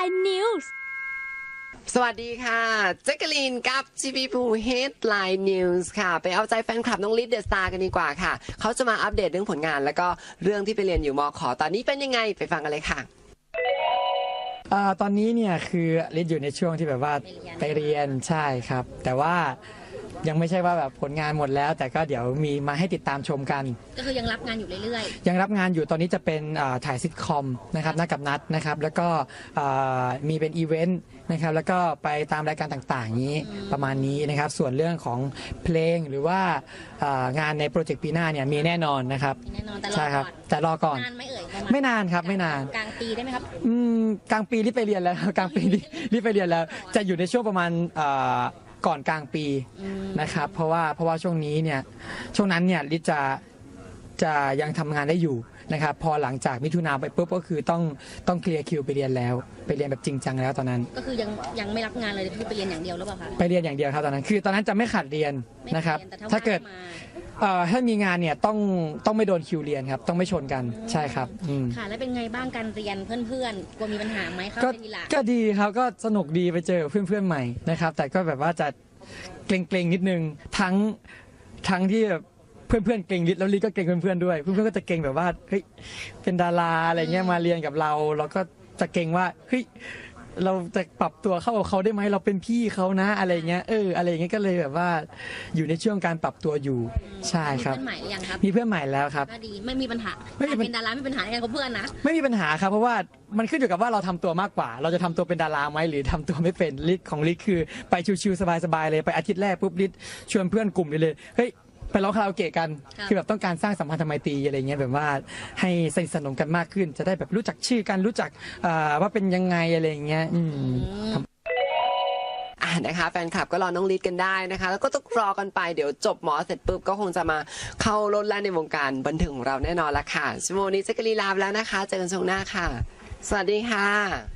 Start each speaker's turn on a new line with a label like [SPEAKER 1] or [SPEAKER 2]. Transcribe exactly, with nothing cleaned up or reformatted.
[SPEAKER 1] Headline News
[SPEAKER 2] สวัสดีค่ะแจ็คกะลีนกับจีบีพู Headline News ค่ะไปเอาใจแฟนคลับน้องลิฟเดอะสตาร์กันดีกว่าค่ะเขาจะมาอัปเดตเรื่องผลงานแล้วก็เรื่องที่ไปเรียนอยู่มข.ตอนนี้เป็นยังไงไปฟังกันเลยค่ะ
[SPEAKER 3] อ่าตอนนี้เนี่ยคือลิศอยู่ในช่วงที่แบบว่าไปเรียนใช่ครับ แต่ว่ายังไม่ใช่ว่าแบบผลงานหมดแล้ว แต่ก็เดี๋ยวมีมาให้ติดตามชมกัน
[SPEAKER 4] ก็คือยังรับงานอยู่เรื่อย
[SPEAKER 3] ยังรับงานอยู่ตอนนี้จะเป็นอ่าถ่ายซิทคอมนะครับนัดกับนัดนะครับแล้วก็อ่ามีเป็นอีเวนต์นะครับแล้วก็ไปตามรายการต่างๆนี้ประมาณนี้นะครับส่วนเรื่องของเพลงหรือว่าอ่างานในโปรเจกต์ปีหน้าเนี่ยมีแน่นอนนะครับ
[SPEAKER 4] ๆแน่นอนแต่รอ
[SPEAKER 3] ใช่ครับ
[SPEAKER 4] ก่อน
[SPEAKER 3] แต่รอก่อน
[SPEAKER 4] นานไหมเอ่ยประมาณ
[SPEAKER 3] ไม่นานครับไม่นาน
[SPEAKER 4] กลางปีได้ไหมครับ
[SPEAKER 3] อืมกลางปีรีบไปเรียนแล้ว กลางปีรีบรีบไปเรียนแล้ว จะอยู่ในช่วงประมาณเอ่อก่อนกลางปี
[SPEAKER 4] อืม
[SPEAKER 3] นะครับ เพราะว่าเพราะว่าช่วงนี้เนี่ยช่วงนั้นเนี่ยลิศจะจะยังทำงานได้อยู่นะครับ พอหลังจากมิถุนาไปปุ๊บก็คือต้องต้องเคลียร์คิวไปเรียนแล้ว ไปเรียนแบบจริงจังแล้วตอนนั้น
[SPEAKER 4] ก็คือยังยังไม่รับงานเลยคือไปเรียนอย่างเดียวหรือเปล่าคะ
[SPEAKER 3] ไปเรียนอย่างเดียวครับตอนนั้น คือตอนนั้นจะไม่ขาดเรียน
[SPEAKER 4] ไม่
[SPEAKER 3] นะครับ
[SPEAKER 4] เรียนแต่
[SPEAKER 3] ถ้าเกิด
[SPEAKER 4] ว่งมา
[SPEAKER 3] เอ่อถ้ามีงานเนี่ยต้องต้องไม่โดนคิวเรียนครับต้องไม่ชนกันใช่ครับอืม
[SPEAKER 4] ค่ะแล้วเป็นไงบ้างการเรียนเพื่อนๆกลัวมีปัญหาไหมเข้า
[SPEAKER 3] ก็
[SPEAKER 4] ไปทีหลัง
[SPEAKER 3] ก็ดีครับก็สนุกดีไปเจอเพื่อนเพื่อนๆใหม่นะครับ แต่ก็แบบว่าจะเกรงๆนิดนึงทั้งทั้งที่แบบเพื่อนเพื่อนๆเกรงลิศแล้วลิศก็เกรงเพื่อนเพื่อนๆด้วยเพื่อนเพื่อนๆก็จะเกรงแบบว่าเฮ้ยเป็นดาราอะไรเงี้ยมาเรียนกับเรา เราก็จะเกรงว่าเฮ้ยเราจะปรับตัวเข้ากับเขาได้ไหมเราเป็นพี่เขานะอะไรเงี้ยเอออะไรเงี้ยก็เลยแบบว่าอยู่ในช่วงการปรับตัวอยู่ใช่ครับ
[SPEAKER 4] มีเพื่อนใหม่หรือยังครับ
[SPEAKER 3] มีเพื่อนใหม่แล้วครับ
[SPEAKER 4] ก็ดีไม่มีปัญหา
[SPEAKER 3] ไม่มีปัญ
[SPEAKER 4] เป็นดาราไม่มีปัญหาในการคบเพื่อนนะ
[SPEAKER 3] ไม่มีปัญหาครับเพราะว่ามันขึ้นอยู่กับว่าเราทำตัวมากกว่า เราจะทำตัวเป็นดาราไหมหรือทำตัวไม่เป็นลิศของลิศคือไปชิวๆสบายๆเลยไปอาทิตย์แรกปุ๊บลิศชวนเพื่อนกลุ่มเลยเฮ้ยไปร้องคาราโอเกะกัน
[SPEAKER 4] ครับ
[SPEAKER 3] คือแบบต้องการสร้างสัมพันธไมตรีอะไรเงี้ยแบบว่าให้สนิทสนมกันมากขึ้น จะได้แบบรู้จักชื่อกันรู้จักอ่าว่าเป็นยังไงอะไรเงี้ยอืม
[SPEAKER 4] อืม
[SPEAKER 2] อ่ะนะคะแฟนคลับก็รอน้องลิศกันได้นะคะแล้วก็ต้องรอกันไปเดี๋ยวจบหมอเสร็จปุ๊บก็คงจะมาเข้าโลดแล่นในวงการบันเทิงของเราแน่นอนละค่ะชั่วโมงนี้แจ็คกะลีนลาไปแล้วนะคะเจอกันช่วงหน้าค่ะ สวัสดีค่ะ